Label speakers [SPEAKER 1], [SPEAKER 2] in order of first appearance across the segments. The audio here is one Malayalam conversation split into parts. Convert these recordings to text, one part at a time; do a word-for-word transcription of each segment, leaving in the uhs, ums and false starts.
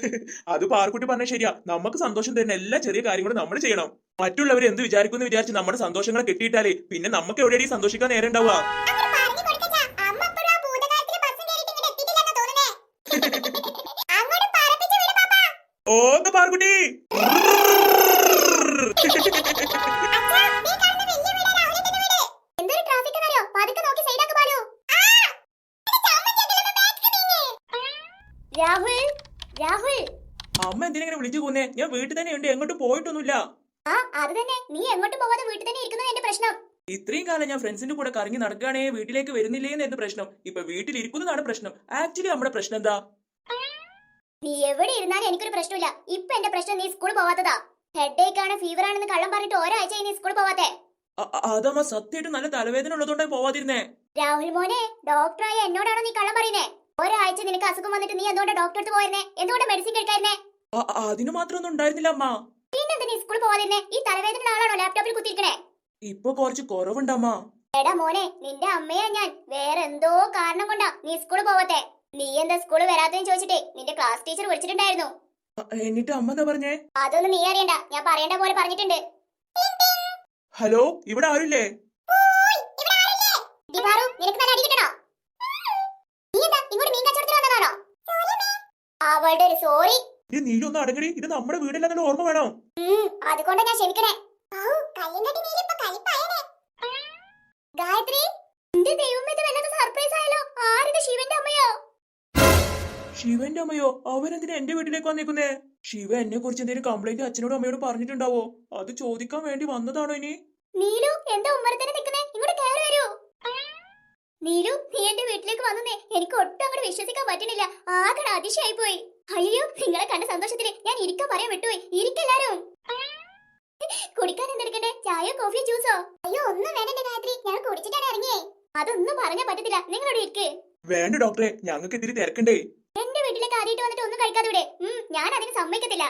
[SPEAKER 1] അത് പാർക്കുട്ടി പറഞ്ഞ ശരിയാ. നമുക്ക് സന്തോഷം തരുന്ന എല്ലാ ചെറിയ കാര്യങ്ങളും നമ്മൾ ചെയ്യണം. മറ്റുള്ളവർ എന്ത് വിചാരിക്കുമെന്ന് വിചാരിച്ച് നമ്മുടെ സന്തോഷങ്ങളെ കെട്ടിയിട്ടാലേ പിന്നെ നമുക്ക് എവിടെയാണ് സന്തോഷിക്കാൻ നേരം ഉണ്ടാവുക. ഓക്കെ പാർക്കുട്ടി.
[SPEAKER 2] രാഹുൽ, രാഹുൽ,
[SPEAKER 1] അമ്മ എന്തിനെങ്ങനെ വിളിച്ചു പോന്നേ? ഞാൻ വീട്ടിൽ തന്നെ ഉണ്ട്, എങ്ങോട്ടും പോയിട്ടൊന്നുമില്ല.
[SPEAKER 2] ആ അത് തന്നെ, നീ എങ്ങോട്ടും പോവാതെ വീട്ടിൽ തന്നെ ഇരിക്കുന്നത് എന്റെ പ്രശ്നം.
[SPEAKER 1] ഇത്രയും കാലം ഞാൻ ഫ്രണ്ട്സിന്റെ കൂടെ കറങ്ങി നടക്കുകയാണേ വീട്ടിലേക്ക് വരുന്നില്ലേ എന്ന് പ്രശ്നം. ഇപ്പൊ വീട്ടിൽ ഇരിക്കുന്നതാണ് പ്രശ്നം. ആക്ച്വലി നമ്മുടെ പ്രശ്നം എന്താ?
[SPEAKER 2] നീ എവിടെ ഇരുന്നാലും എനിക്കൊരു പ്രശ്നമില്ല. ഇപ്പൊ എന്റെ പ്രശ്നം നീ സ്കൂളിൽ പോവാത്തതാ. ഹെഡേക്ക് ആണ്, ഫീവർ ആണെന്ന് കള്ളം പറഞ്ഞിട്ട് ഒരാഴ്ച നീ സ്കൂളിൽ പോവാത്തെ.
[SPEAKER 1] അതമ്മ സത്യമായിട്ട് നല്ല തലവേദന ഉള്ളതുകൊണ്ടാണ് പോവാതിരുന്നേ.
[SPEAKER 2] രാഹുൽ മോനെ, ഡോക്ടറായ എന്നോടാണോ നീ കള്ളം പറയുന്നേ? ഒരാഴ്ച നിനക്ക് അസുഖം വന്നിട്ട് നീ എന്തുകൊണ്ട് ഡോക്ടർ അടുത്ത് പോയിരുന്നേ? എന്തുകൊണ്ട് മെഡിസിൻ കഴിക്കായിരുന്നേ?
[SPEAKER 1] അതിന് മാത്രമൊന്നും ഉണ്ടായിരുന്നില്ല അമ്മ.
[SPEAKER 2] പിന്നെന്താ നീ സ്കൂളിൽ പോവാതിരുന്നേ? ഈ തലവേദന ആളാണോ ലാപ്ടോപ്പിൽ കുത്തിയിരിക്കണേ?
[SPEAKER 1] ഇപ്പൊ കുറച്ച് കുറവുണ്ടമ്മ.
[SPEAKER 2] എടാ മോനെ, നിന്റെ അമ്മയാ ഞാൻ. വേറെ എന്തോ കാരണം കൊണ്ടാ നീ സ്കൂളിൽ പോവത്തെ. നീ എന്താ സ്കൂളിൽ വരാത്തെന്ന് ചോദിച്ചിട്ടേ നിന്റെ ക്ലാസ് ടീച്ചർ വിളിച്ചിട്ടുണ്ടായിരുന്നു.
[SPEAKER 1] എന്നിട്ട് അമ്മ എന്താ പറഞ്ഞേ?
[SPEAKER 2] അതൊന്നും നീ അറിയണ്ട, ഞാൻ പറയേണ്ട പോലെ പറഞ്ഞിട്ടുണ്ട്.
[SPEAKER 1] ഹലോ, ഇവിടെ ആരുല്ലേ?
[SPEAKER 2] അവളുടെ ഒരു സോറി.
[SPEAKER 1] നീലൊന്നും അടങ്ങടി, ഇത് നമ്മുടെ വീടല്ലെന്നുള്ള ഓർമ്മ വേണം.
[SPEAKER 2] അതുകൊണ്ടാ ഞാൻ ക്ഷമിക്കണേ. ഗായത്രി, എന്റെ ദൈവമേ, ഇത് വല്ലാത്ത സർപ്രൈസ് ആയല്ലോ. ആരിത്? ശിവന്റെ അമ്മയോ?
[SPEAKER 1] ശിവന്റെ അമ്മയോ? അവരെന്തിനാ എന്റെ വീട്ടിലേക്ക് വന്നേക്കുന്നേ? ശിവ എന്നെ കുറിച്ച് എന്തെങ്കിലും കംപ്ലൈന്റ് അച്ഛനോടും അമ്മയോടും പറഞ്ഞിട്ടുണ്ടാവോ? അത് ചോദിക്കാൻ വേണ്ടി വന്നതാണോ ഇനി?
[SPEAKER 2] നീലു, എന്താ ഉമ്മറത്തന്നെ നിൽക്കുന്നേ? ഇങ്ങോട്ട് കയറി വരൂ. നീലു, നീ എന്റെ വീട്ടിലേക്ക് വന്നേ എനിക്ക് ഒട്ടും അങ്ങോട്ട് വിശ്വസിക്കാൻ പറ്റണില്ല. ആകെ അതിശയായി പോയി. അയ്യോ, നിങ്ങളെ കണ്ട സന്തോഷത്തില് ഞാൻ ഇരിക്കാൻ പറയാൻ വിട്ടുപോയി. ഇരിക്കെല്ലാരും. കുടിക്കാൻ എന്തെടുക്കണ്ടേ? ചായയോ കോഫിയോ ജ്യൂസോ? അയ്യോ, ഒന്നും വേണ്ട ഗായത്രി, ഞാൻ കുടിച്ചിട്ടാണ് ഇറങ്ങിയേ. അതൊന്നും പറഞ്ഞാ പറ്റത്തില്ല. നിങ്ങളോട് ഇരിക്ക്.
[SPEAKER 1] വേണ്ട ഡോക്ടറെ, ഞങ്ങൾക്ക് ഇത്തിരി തിരക്കണ്ടേ.
[SPEAKER 2] എന്റെ വീട്ടിലേക്ക് ആദ്യമായിട്ട് വന്നിട്ട് ഒന്നും കഴിക്കാതെ ഇവിടെ. ഞാൻ അതിന് സമ്മതിക്കത്തില്ല.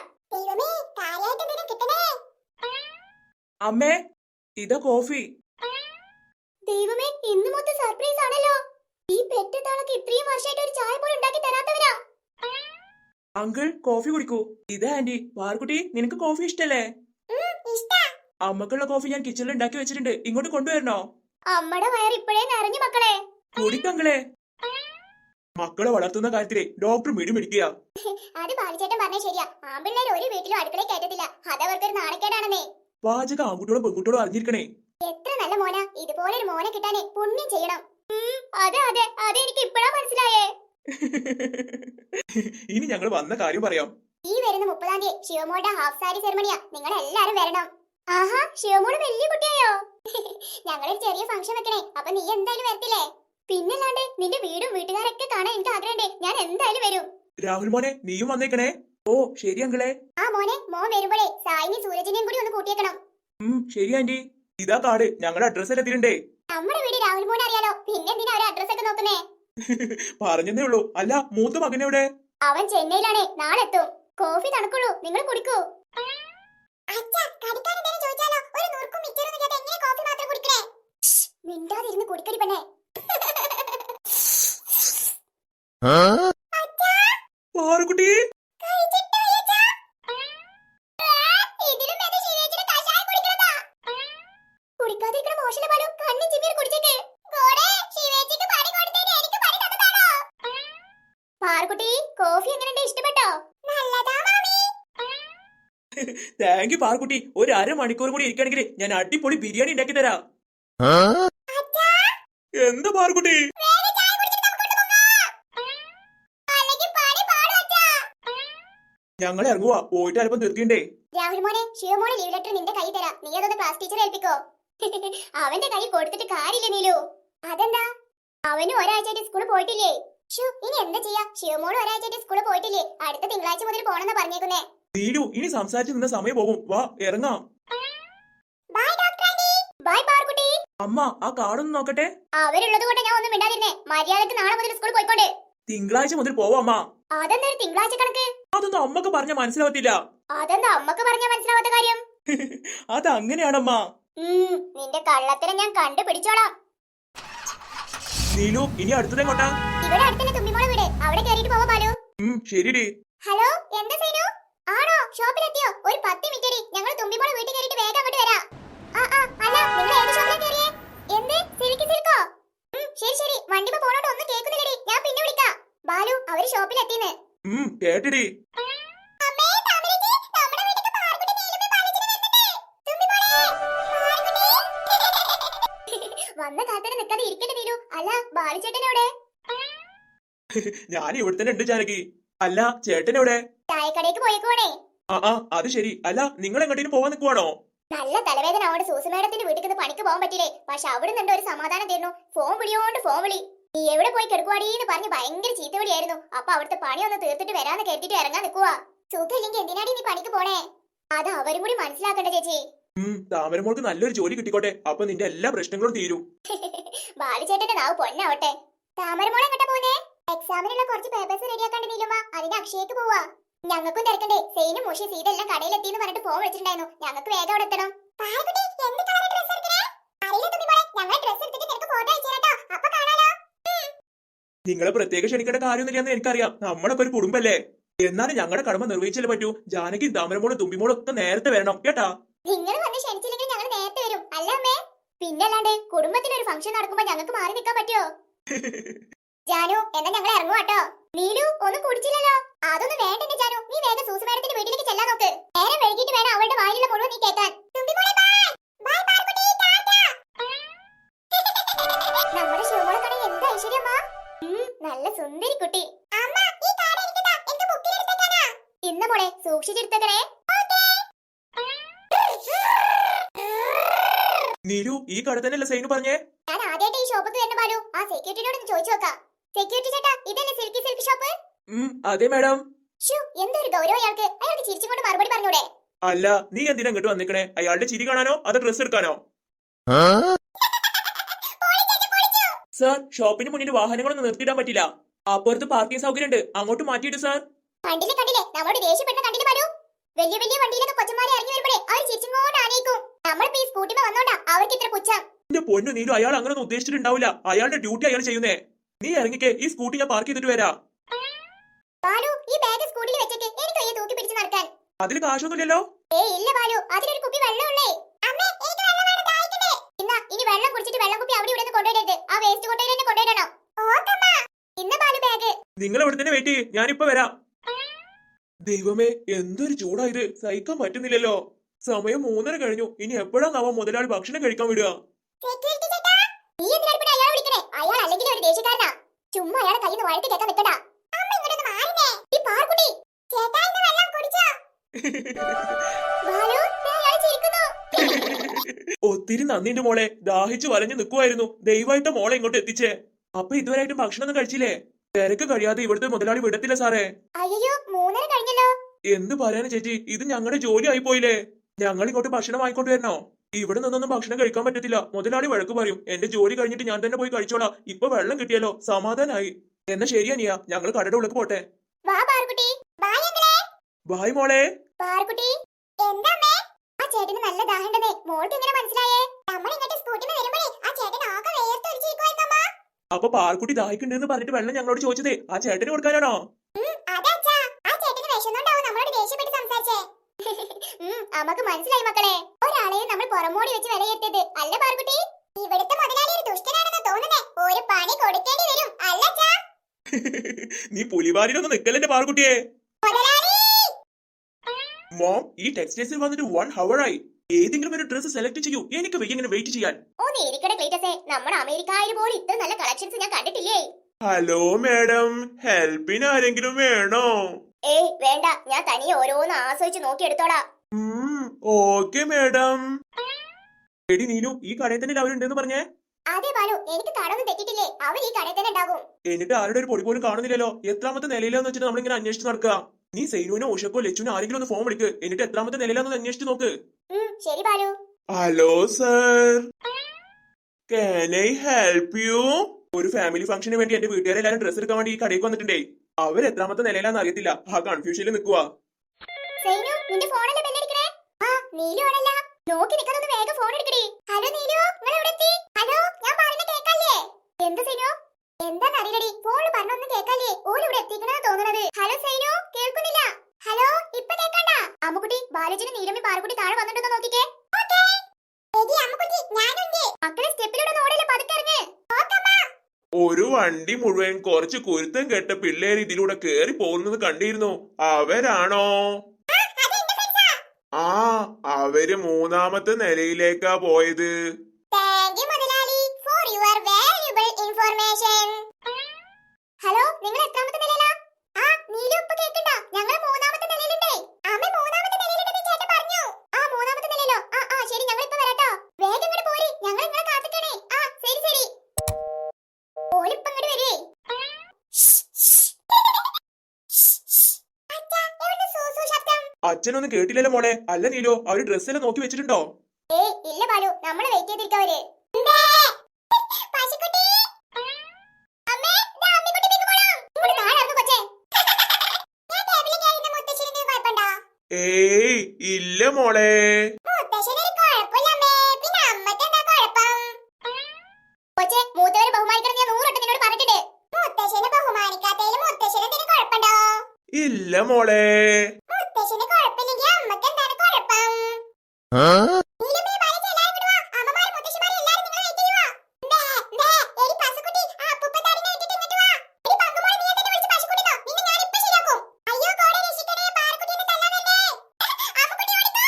[SPEAKER 1] അമ്മേ, ഇതാ കോഫി.
[SPEAKER 2] ദൈവമേ, ഇന്ന് മൊത്തം സർപ്രൈസ് ആണല്ലോ. ഈ പെറ്റത്താളൊക്കെ ഇത്രയും വർഷമായിട്ട് ഒരു ചായ പോലും ഉണ്ടാക്കി തരാത്തവരാ.
[SPEAKER 1] അങ്കിൾ, കോഫി കുടിക്കൂ. ഇതാ ആന്റി. പാർക്കുട്ടി, നിനക്ക് കോഫി ഇഷ്ടല്ലേ? അമ്മക്കുള്ള കോഫി ഞാൻ കിച്ചണിൽ ഉണ്ടാക്കി വെച്ചിട്ടുണ്ട്, ഇങ്ങോട്ട് കൊണ്ടുവരണോ?
[SPEAKER 2] അമ്മയുടെ വയർ ഇപ്പോഴേ നിറഞ്ഞു മക്കളെ.
[SPEAKER 1] കുടിക്കങ്ങളെ. മക്കളെ വളർത്തുന്ന കാര്യത്തിലെ ഡോക്ടർ മിടിമിടിക്കുക.
[SPEAKER 2] അത് ബാലിച്ചേട്ടൻ പറഞ്ഞ ശരിയാ. ആമ്പിള്ളേർ ഒരു വീട്ടിലും അടുക്കളയിൽ കയറ്റത്തില്ല. അതവർക്കൊരു നാണക്കേടാണെന്നേ.
[SPEAKER 1] പാചക ആൺകുട്ടികളും പെൺകുട്ടികളും അറിഞ്ഞിരിക്കണേ.
[SPEAKER 2] എത്ര നല്ല മോനാ. ഇതുപോലെ ഒരു മോനെ കിട്ടാനേ പുണ്യം ചെയ്യണം. അതെ അതെ അതെ, എനിക്ക് ഇപ്പഴാ മനസ്സിലായേ.
[SPEAKER 1] ഇനി ഞങ്ങൾ വന്ന കാര്യം പറയാം.
[SPEAKER 2] ഈ വരുന്ന മുപ്പതാം തീയതി ശിവമോളുടെ ഹാഫ് സാരി സെറമണിയാ. നിങ്ങൾ എല്ലാരും വരണം. ആഹാ, ശിവമോള് വലിയ കുട്ടിയായോ? ഞങ്ങളൊരു ചെറിയ ഫംഗ്ഷൻ വെക്കണേ. അപ്പൊ നീ എന്തായാലും വരത്തില്ലേ? പിന്നല്ലാണ്ട് നിന്റെ വീടും വീട്ടുകാരൊക്കെ കാണാൻ എനിക്ക് ആഗ്രഹമുണ്ട്. ഞാൻ എന്തായാലും വരും.
[SPEAKER 1] രാഹുൽ മോനെ, നീയും വന്നേക്കണേ. ഓ ശരി അങ്കിളെ.
[SPEAKER 2] ആ മോനെ, മോൻ വരുമ്പോഴേ സായിനി സൂരജിനെയും കൂടി ഒന്ന് കൂട്ടിയേക്കണം.
[SPEAKER 1] ഉം ശരി ആന്റി. ഇതാ കാർഡ്, ഞങ്ങളുടെ അഡ്രസ് എത്തിയിട്ടുണ്ടേ.
[SPEAKER 2] നമ്മുടെ വീട് രാഹുൽ മോനെ അറിയാലോ, പിന്നെ എന്തിനാ ഒരു അഡ്രസ് ഒക്കെ നോക്കുന്നേ?
[SPEAKER 1] പറഞ്ഞതേ ഉള്ളൂ. അല്ല, മൂത്ത മകനെവിടെ?
[SPEAKER 2] അവൻ ചെന്നൈയിലാണേ, നാളെ എത്തും. കോഫി തണുക്കുള്ളൂ, നിങ്ങൾ കുടിക്കൂ. മിണ്ടാതിരുന്ന് കുടിക്കടി പെണ്ണേ.
[SPEAKER 1] പാറുക്കുട്ടി,
[SPEAKER 2] കുടിക്കാതിരിക്കണ മോശം പാലു. കണ്ണും ചിമ്മിയും കുടിച്ചേക്ക്. പാറുക്കുട്ടി, കോഫി എങ്ങനെയുണ്ട്? ഇഷ്ടപ്പെട്ടോ? നല്ലതാ മാമി.
[SPEAKER 1] Thank you Parukutty. ഒരു അരമണിക്കൂർ കൂടി ഇരിക്കണെങ്കിൽ ഞാൻ അടിപൊളി ബിരിയാണി ഉണ്ടാക്കി തരാം. എന്താ പാറുക്കുട്ടി? ഞങ്ങൾ ഇറങ്ങുവാ, പോയിട്ട് അല്പം തീർക്കണ്ടേ.
[SPEAKER 2] രാഹുൽ മോനെ, ശിവമോനെ ലീവ് ലെറ്റർ നിന്റെ കൈ തരാം. നീ അതൊന്ന് ക്ലാസ് ടീച്ചറെ ഏൽപ്പിക്കോ. അവന്റെ കൈ കൊടുത്തിട്ട് കാര്യമില്ല നീലു. അതെന്താ? അവന് ഒരാഴ്ചയായിട്ട് സ്കൂളിൽ പോയിട്ടില്ലേ? ഇനി എന്താ ചെയ്യാ? ശിവമോള് ഒരാഴ്ചയായിട്ട് സ്കൂളിൽ പോയിട്ടില്ലേ? അടുത്ത തിങ്കളാഴ്ച മുതൽ പോണെന്നാ പറഞ്ഞേക്കുന്നേ.
[SPEAKER 1] നീലു, ഇനി സംസാരിച്ചു നിന്ന സമയം പോകും. വാ ഇറങ്ങാം. അമ്മ, ആ കാർഡൊന്ന് നോക്കട്ടെ.
[SPEAKER 2] അവരുള്ളത് കൊണ്ട് ഞാൻ ഒന്നും മിണ്ടാതിരുന്നേ. മര്യാദക്ക് നാളെ മുതൽ സ്കൂളിൽ പോയിക്കോട്ടെ.
[SPEAKER 1] തിങ്കളാഴ്ച മുതൽ പോവാ അമ്മ.
[SPEAKER 2] അതെന്താ തിങ്കളാഴ്ച കണക്ക്?
[SPEAKER 1] അതൊന്നും അമ്മക്ക് പറഞ്ഞ മനസ്സിലാവത്തില്ല.
[SPEAKER 2] അതെന്താ അമ്മക്ക് പറഞ്ഞ മനസ്സിലാവാത്ത കാര്യം?
[SPEAKER 1] അത് അങ്ങനെയാണമ്മ.
[SPEAKER 2] നിന്റെ കള്ളത്തരം ഞാൻ കണ്ടുപിടിച്ചോളാം.
[SPEAKER 1] നീലു, ഇനി അടുത്തതെങ്ങോട്ടാ?
[SPEAKER 2] ഇവിടെ അടുത്തന്നെ തുമ്പിമോളെ വീട്. അവിടെ കേറിയിട്ട് പോവാ ബാലു.
[SPEAKER 1] ശരിടി.
[SPEAKER 2] ഹലോ എന്താ സൈനു? ആണോ ഷോപ്പിലെത്തിയോ? ഒരു പത്ത് മിനിറ്റ് ഞങ്ങൾ തുമ്പിമോളെ വീട്ടിൽ കയറിയിട്ട് വേഗം അങ്ങോട്ട് വരാം. ആ ആ അല്ല നിങ്ങൾ ഏത് ഷോപ്പിലാ കയറിയേ? എന്ത് സിൽക്ക് സിൽക്കോ? ഉം ശരി ശരി വണ്ടിമ പോണോണ്ട് ഒന്നും കേൾക്കുന്നില്ലടി, ഞാൻ പിന്നെ വിളിക്കാം. ബാലു അവര് ഷോപ്പിലെത്തിന്ന്.
[SPEAKER 1] ഉം കേട്ടിടി.
[SPEAKER 2] അമ്മേ താമരജി നമ്മുടെ വീട്ടിലേക്ക് പാർക്കുട്ടി നീലുമേ പാലിച്ചിനെ വരുന്നുണ്ട്. തുമ്പിമോളെ പാർക്കുട്ടി. വന്ന കാലത്തിന് നിൽക്കാതെ ഇരിക്കട്ടെ നീലു. അല്ല ബാലുചേട്ടൻ എവിടെ?
[SPEAKER 1] ഞാൻ ഇവിടെ തന്നെ ഉണ്ട് ജാനകി. അല്ല ചേട്ടൻ എവിടെ?
[SPEAKER 2] ചായക്കടയ്ക്ക് പോയേക്കുവാണേ.
[SPEAKER 1] ആ ആ അത് ശരി. അല്ല നിങ്ങൾ എങ്ങോട്ടേലും പോവാൻ നിൽക്കുവാണോ?
[SPEAKER 2] നല്ല തലവേദന അവിടെ സൂസി മേഡത്തിന്റെ വീട്ടിൽ നിന്ന് പണിക്ക് പോകാൻ പറ്റില്ലേ. പക്ഷെ അവിടെ നിന്നുണ്ട് ഒരു സമാധാനം തരുന്നു. ഫോൺ വിളിയോണ്ട് ഫോൺ വിളി. നീ എവിടെ പോയി കിടക്കുവാടീന്ന് പറഞ്ഞ് ഭയങ്കര ചീത്ത വിളിയായിരുന്നു. അപ്പൊ അവിടുത്തെ പണി ഒന്ന് തീർത്തിട്ട് വരാന്ന് കേട്ടിട്ട് ഇറങ്ങാൻ നിൽക്കുവാ. സുഖമില്ലെങ്കിൽ എന്തിനാടി നീ പണിക്ക് പോണേ? അത് അവരും കൂടി മനസ്സിലാക്കണ്ട ചേച്ചി.
[SPEAKER 1] ഉം താമരമോൾക്ക് നല്ലൊരു ജോലി കിട്ടിക്കോട്ടെ. അപ്പൊ നിന്റെ എല്ലാ പ്രശ്നങ്ങളും തീരും.
[SPEAKER 2] ബാലുചേട്ടന്റെ നാവ് പൊന്നോട്ടെ. താമരമോളെ എങ്ങോട്ടാ പോകുന്നേ? എക്സാമിനുള്ള കുറച്ച് പേപ്പേഴ്സ് റെഡിയാക്കാണ്ട് നീലുമ്മ, അതിന് അക്ഷയക്ക് പോവാ. ഞങ്ങൾക്കും തിരക്കണ്ടേ. സെയിനും മുഷി സീത എല്ലാം കടയിലെത്തിന്ന് പറഞ്ഞിട്ട് ഫോൺ വിളിച്ചിട്ടുണ്ടായിരുന്നു. ഞങ്ങൾക്ക് വേഗം അവിടെ എത്തണം.
[SPEAKER 1] നിങ്ങളെ പ്രത്യേകം ക്ഷണിക്കേണ്ട കാര്യമൊന്നുമില്ലെന്ന് എനിക്കറിയാം. നമ്മളൊക്കെ ഒരു കുടുംബല്ലേ. എന്നാലും ഞങ്ങളുടെ കടമ നിർവഹിച്ചല്ലേ പറ്റൂ. ജാനകി താമരമോളും തുമ്പിമോളും ഒക്കെ നേരത്തെ വരണം കേട്ടാ.
[SPEAKER 2] നിങ്ങൾ വന്ന് ക്ഷണിച്ചില്ലെങ്കിൽ ഞങ്ങൾ നേരത്തെ വരും. അല്ല അമ്മേ? പിന്നല്ലാണ്ട് കുടുംബത്തിലൊരു ഫംഗ്ഷൻ നടക്കുമ്പോ ഞങ്ങൾക്ക് മാറി നിൽക്കാൻ പറ്റുമോ? ജാനു എന്നാ ഞങ്ങൾ ഇറങ്ങുവാട്ടോ. നീലു ഒന്നും കുടിച്ചില്ലല്ലോ. അതൊന്നും വേണ്ടെന്റെ ജാനു, നീ വേഗം സൂസി മേഡത്തിന്റെ വീട്ടിലേക്ക് ചെല്ലാൻ നോക്ക്. നേരം വൈകിട്ട് വേണം അവളുടെ വായിലുള്ള മുഴുവൻ നീ കേൾക്കാൻ. നമ്മുടെ ശിവമോളെ കട എന്താ ഐശ്വര്യമ്മ. നല്ല സുന്ദരി കുട്ടി. ഇന്ന മോളെ സൂക്ഷിച്ചെടുത്തേക്കണേ.
[SPEAKER 1] നീലു ഈ കട തന്നെയല്ലേ സൈനു പറഞ്ഞേ?
[SPEAKER 2] ഞാൻ ആദ്യമായിട്ട് ഈ ഷോപ്പിൽ വരുന്ന ബാലു. ആ സെക്യൂരിറ്റിയോട് ഒന്ന് ചോദിച്ചു നോക്കാം. സെക്യൂരിറ്റി ചേട്ടാ ഇതല്ലേ സിൽക്കി സിൽക്ക് ഷോപ്പ്?
[SPEAKER 1] ഉം അതെ മാഡം.
[SPEAKER 2] ഷൂ എന്തൊരു ഗൗരവം അയാൾക്ക്. അയാൾക്ക് ചിരിച്ചുകൊണ്ട് മറുപടി പറഞ്ഞൂടെ?
[SPEAKER 1] അല്ല നീ എന്തിനാ ഇങ്ങോട്ട് വന്നിക്കണേ? അയാളുടെ ചിരി കാണാനോ അതോ ഡ്രസ് എടുക്കാനോ? സാർ ഷോപ്പിന് മുന്നിൽ വാഹനങ്ങളൊന്നും നിർത്തിയിടാൻ പറ്റില്ല. അപ്പുറത്ത് പാർക്കിംഗ് സൗകര്യം ഉണ്ട്, അങ്ങോട്ട് മാറ്റിയിട്ട് സാർ.
[SPEAKER 2] കണ്ടില്ലേ കണ്ടില്ലേ നമ്മളോട് ദേഷ്യപ്പെടുന്ന കണ്ടില്ലേ ബാലു? വലിയ വലിയ വണ്ടിയിലൊക്കെ കൊച്ചന്മാരെ ഇറങ്ങി വരുമ്പോഴേ അവർ ചിരിച്ചുകൊണ്ട് ആനയിക്കും. നമ്മളിപ്പോ ഈ സ്കൂട്ടിമ വന്നോണ്ടാ അവർക്ക് ഇത്ര പുച്ഛം.
[SPEAKER 1] എന്റെ പൊന്നു നീലു, അയാൾ അങ്ങനെ ഉദ്ദേശിച്ചിട്ടുണ്ടാവില്ല. അയാളുടെ ഡ്യൂട്ടി അയാൾ ചെയ്യുന്നേ. നീ ഇറങ്ങിക്കേ, ഈ സ്കൂട്ടി ഞാൻ പാർക്ക് ചെയ്തിട്ട് വരാം.
[SPEAKER 2] ബാലു ഈ ബാഗ് സ്കൂട്ടിയിൽ വെച്ചേക്ക്, എനിക്ക് കയ്യെ തൂക്കി പിടിച്ച് നടക്കാൻ.
[SPEAKER 1] അതിൽ കാശൊന്നുമില്ലല്ലോ.
[SPEAKER 2] ഏയ് ഇല്ല ബാലു, അതിലൊരു കുപ്പി വെള്ളമുള്ളേ. അമ്മേ എനിക്ക് വെള്ളം വേണം, ദാഹിക്കണേ. ഇന്നാ ഇനി വെള്ളം കുടിച്ചിട്ട് വെള്ളം കുപ്പി അവിടെ ഇവിടെ കൊണ്ടുവരരുത്. ആ വേസ്റ്റ് കൊട്ടയിൽ തന്നെ കൊണ്ടുവരണം. ഓക്കമ്മ. ഇന്ന ബാലു ബാഗ്.
[SPEAKER 1] നിങ്ങൾ അവിടെ തന്നെ വെയിറ്റ് ചെയ്യ്, ഞാനിപ്പോ വരാം. ദൈവമേ എന്തൊരു ചൂടായത്, സഹിക്കാൻ പറ്റുന്നില്ലല്ലോ. സമയം മൂന്നര കഴിഞ്ഞു. ഇനി എപ്പോഴാണാവോ മുതലാളി ഭക്ഷണം കഴിക്കാൻ വിടുക?
[SPEAKER 2] സെക്യൂരിറ്റി ചേട്ടാ നീ എന്തിനാ പിന്നെ അയാളെ വിളിക്കണേ? അയാൾ അല്ലെങ്കിൽ ഒരു ദേഷ്യക്കാരനാ. ചുമ്മാ അയാളെ കയ്യിൽ നിന്ന് വഴക്ക് കേൾക്കാൻ നിൽക്കണ്ട. അമ്മ ഇങ്ങോട്ട് മാറിനേ. ഈ പാർക്കുട്ടി ചേട്ടാ ഇന്ന് വെള്ളം കുടിച്ചോ? ബാലു അയാൾ ചിരിക്കുന്നു.
[SPEAKER 1] ഒത്തിരി നന്ദിന്റെ മോളെ, ദാഹിച്ചു വലഞ്ഞു നിൽക്കുമായിരുന്നു. ദയവായിട്ട് മോളെ ഇങ്ങോട്ട് എത്തിച്ചേ. അപ്പൊ ഇതുവരെയായിട്ടും ഭക്ഷണമൊന്നും കഴിച്ചില്ലേ? തിരക്ക് കഴിയാതെ ഇവിടുത്തെ മുതലാളി വിടത്തില്ല സാറേ.
[SPEAKER 2] അയ്യോ മൂന്നര കഴിഞ്ഞല്ലോ.
[SPEAKER 1] എന്ത് പറയാനും ചേച്ചി, ഇത് ഞങ്ങളുടെ ജോലി ആയി പോയില്ലേ. ഞങ്ങൾ ഇങ്ങോട്ട് ഭക്ഷണം വാങ്ങിക്കൊണ്ട് വരണോ? ഇവിടെ നിന്നൊന്നും ഭക്ഷണം കഴിക്കാൻ പറ്റത്തില്ല. മുതലാളി വഴക്ക് പറയും. എന്റെ ജോലി കഴിഞ്ഞിട്ട് ഞാൻ തന്നെ പോയി കഴിച്ചോളാം. ഇപ്പൊ വെള്ളം കിട്ടിയല്ലോ, സമാധാനായി. എന്നാ ശരിയാനിയ, ഞങ്ങൾ കടയുടെ ഉള്ളിൽ പോട്ടെ.
[SPEAKER 2] വാ പാർക്കുട്ടി. ബൈ അങ്കിളേ.
[SPEAKER 1] ബൈ മോളെ.
[SPEAKER 2] പാർക്കുട്ടി എന്താമ്മേ? ആ ചേട്ടന് നല്ല ദാഹമുണ്ടെന്നേ മോൾക്ക് എങ്ങനെ മനസ്സിലായേ? നമ്മൾ ഇങ്ങോട്ട് സ്കൂട്ടിൽ വരുമ്പോഴേ ആ ചേട്ടൻ ആകെ വേർത്തൊലിച്ചിരിക്കുവായിരുന്നു അമ്മ.
[SPEAKER 1] അപ്പൊ പാർക്കുട്ടി ദാഹിക്കുണ്ടെന്ന് പറഞ്ഞിട്ട് വെള്ളം ഞങ്ങളോട് ചോദിച്ചതേ ആ ചേട്ടന് കൊടുക്കാനാണോ?
[SPEAKER 2] അതാച്ചാ ആ ചേട്ടന് വിശന്നുണ്ടാവും നമ്മളോട് ദേഷ്യപ്പെട്ട് സംസാരിച്ചേ. അമ്മക്ക് മനസ്സിലായി മക്കളെ. ഒരാളെയും നമ്മൾ പുറമോടി വെച്ച് വിലയിരുത്തത് അല്ല പാർക്കുട്ടി. ഇവിടുത്തെ മുതലാളി ഒരു ദുഷ്ടനാണെന്ന് തോന്നുന്നേ. ഒരു പണി കൊടുക്കേണ്ടി വരും അല്ലച്ചാ.
[SPEAKER 1] നീ പുലിവാലിലൊന്നും നിക്കല്ലേ പാർക്കുട്ടിയെ. മോം ഈ ടെക്സ്റ്റൈൽസിൽ വന്നിട്ട് വൺ ഹവർ ആയി. ഏതെങ്കിലും ഒരു ഡ്രസ് സെലക്ട് ചെയ്യൂ, എനിക്ക് ഇങ്ങനെ വെയിറ്റ് ചെയ്യാൻ.
[SPEAKER 2] ഒന്ന് ഇരിക്കട്ടെ ക്ലീറ്റസേ, നമ്മുടെ അമേരിക്കയിൽ പോലും ഇത്ര നല്ല കളക്ഷൻസ് ഞാൻ കണ്ടിട്ടില്ലേ.
[SPEAKER 1] ഹലോ മാഡം, ഹെൽപ്പിന് ആരെങ്കിലും വേണോ?
[SPEAKER 2] ഏയ് വേണ്ട, ഞാൻ തനിയെ ഓരോന്ന് ആസ്വദിച്ച് നോക്കിയെടുത്തോളാം.
[SPEAKER 1] Okay madam. എടി നീലു, ഈ കടയിൽ തന്നെ അവരുണ്ടെന്ന് പറഞ്ഞേ.
[SPEAKER 2] അതെ ബാലു, എനിക്ക് കടൊന്നും തെറ്റിട്ടില്ലേ. അവർ ഈ കടയിൽ തന്നെ ഉണ്ടാകും.
[SPEAKER 1] എന്നിട്ട് ആരുടെ ഒരു പൊടി പോലും കാണുന്നില്ലല്ലോ. എത്രാമത്തെ നിലയിലാന്ന് വെച്ചിട്ട് നമ്മളിങ്ങനെ അന്വേഷിച്ച് നടക്കുക. നീ സൈനുവിനോ ഉഷക്കോ ലച്ചുനോ ആരെങ്കിലും ഒന്ന് ഫോൺ വിളിക്ക്. എന്നിട്ട് എത്രാമത്തെ നിലയിലാന്ന് അന്വേഷിച്ച് നോക്ക്.
[SPEAKER 2] ശരി Balu.
[SPEAKER 1] Hello sir, can I help you? ഒരു ഫാമിലി ഫംഗ്ഷന് വേണ്ടി എന്റെ വീട്ടുകാരെല്ലാരും ഡ്രസ് എടുക്കാൻ വേണ്ടി ഈ കടയ്ക്ക് വന്നിട്ടുണ്ടേ. അവർ എത്രാമത്തെ നിലയിലാന്ന് അറിയത്തില്ല. ആ കൺഫ്യൂഷനിൽ നിൽക്കുക.
[SPEAKER 2] നോക്കി നിൽക്കാതെ വേഗം ഫോൺ എടുക്കടി. ഹലോ നീലു, നിങ്ങൾ എവിടെ എത്തി? ഹലോ ഞാൻ പറയുന്നത് കേൾക്കാല്ലേ? എന്താ സൈനു? എന്താ അറിയില്ലടി, ഫോണിൽ പറഞ്ഞൊന്നും കേൾക്കാല്ലേ. ഓൾ ഇവിടെ എത്തിക്കണെന്ന് തോന്നുന്നത്. ഹലോ സൈനു കേൾക്കുന്നില്ല? പാറുകുട്ടി താഴെ വന്നിട്ടുണ്ടോ നോക്കിക്കേ. മക്കളെ സ്റ്റെപ്പിലൂടെ ഓടല്ലേ, പതുക്കെ ഇറങ്ങ്.
[SPEAKER 1] ഒരു വണ്ടി മുഴുവൻ കുറച്ച് കുരുത്തം കെട്ട പിള്ളേര് ഇതിലൂടെ കേറി പോകുന്നത് കണ്ടിരുന്നു. അവരാണോ? ആ, അവര് മൂന്നാമത്തെ നിലയിലേക്കാ പോയത്.
[SPEAKER 2] ഹലോ, നിങ്ങൾ എത്രാമത്തെ നിലയിലാ? ആ, നീലു ഇപ്പൊ കേൾക്കണ്ട, ഞങ്ങൾ മൂന്നാമത്തെ നിലയിലുണ്ടേ. അമ്മ മൂന്നാമത്തെ നിലയിലുണ്ടെന്ന് ചേട്ടൻ പറഞ്ഞു. ആ, മൂന്നാമത്തെ നിലയിലോ? ആ ആ ശരി, ഞങ്ങൾ ഇപ്പൊ വരാട്ടോ. വേഗം ഇങ്ങോട്ട് പോരി, ഞങ്ങൾ നിങ്ങളെ കാത്തിക്കണേ. ആ ശരി ശരി. ഓലിപ്പോ ഇങ്ങോട്ട് വരുവേ.
[SPEAKER 1] അച്ഛനൊന്നും കേട്ടില്ലല്ലോ മോളെ. അല്ല നീലോ, അവര് ഡ്രസ്സെല്ലാം നോക്കി വെച്ചിട്ടുണ്ടോ?
[SPEAKER 2] ഏയ് ഇല്ല ബാലു, നമ്മള് വെയിറ്റ് ചെയ്തിരിക്കവര്.
[SPEAKER 1] ഏയ് ഇല്ല മോളെ.
[SPEAKER 2] മൂത്തവരെ ബഹുമാനിക്കണം ഞാൻ നൂറോട്ട് നിന്നോട് പറഞ്ഞിട്ടുണ്ട്. മുത്തശ്ശനെ ബഹുമാനിക്കാത്തതിൽ മുത്തശ്ശനെ എന്തെങ്കിലും കുഴപ്പമുണ്ടോ?
[SPEAKER 1] ഇല്ല മോളെ.
[SPEAKER 2] മുത്തശ്ശന് കുഴപ്പമില്ലെങ്കിൽ അമ്മക്ക് എന്താണ് കുഴപ്പം? നീലുമ്മേ, ബാലു, എല്ലാവരും ഇങ്ങോട്ട് വാ. അമ്മമാരും മുത്തശ്ശിമാരും എല്ലാവരും നിങ്ങളെ വെയിറ്റ് ചെയ്യുവാ. ബേ, ബേ, എടി പശുക്കുട്ടി, ആ അപ്പൂപ്പന്താടിനെ ഇട്ടിട്ട് ഇങ്ങോട്ട് വാ. എടി പങ്കുമോളെ, നീ എന്തിനെ വിളിച്ച് പശുക്കുട്ടിന്നോ? നിന്നെ ഞാൻ ഇപ്പൊ ശരിയാക്കും. അയ്യോ കോടെ രക്ഷിക്കണേ, പാറക്കുട്ടി എന്നെ തല്ലാൻ വന്നേ. അമ്മുക്കുട്ടി ഓടിക്കോ.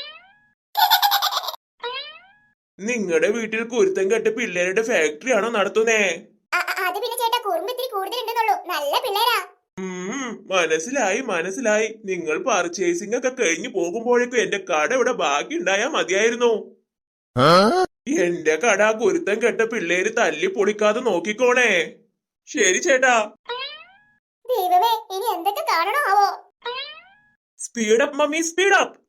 [SPEAKER 1] നിങ്ങളുടെ വീട്ടിൽ കുരുത്തം കെട്ട പിള്ളേരുടെ ഫാക്ടറി ആണോ നടത്തുന്നേ?
[SPEAKER 2] അ- അ- അത് പിന്നെ ചേട്ടാ, കുറുമ്പ് ഇത്തിരി കൂടുതലുണ്ടെന്നുള്ളൂ. നല്ല പിള്ളേരാ.
[SPEAKER 1] ഉം, മനസ്സിലായി മനസ്സിലായി. നിങ്ങൾ പർച്ചേസിംഗ് ഒക്കെ കഴിഞ്ഞു പോകുമ്പോഴേക്കും എന്റെ കട ഇവിടെ ബാക്കി ഉണ്ടായാ മതിയായിരുന്നു. എന്റെ കട കുരുത്തം കെട്ട പിള്ളേര് തല്ലി പൊളിക്കാതെ നോക്കിക്കോണേ. ശരി ചേട്ടാ.
[SPEAKER 2] ദൈവമേ, ഇനി എന്തൊക്കെ കാണണോ ആവോ.
[SPEAKER 1] Speed up mummy, speed up.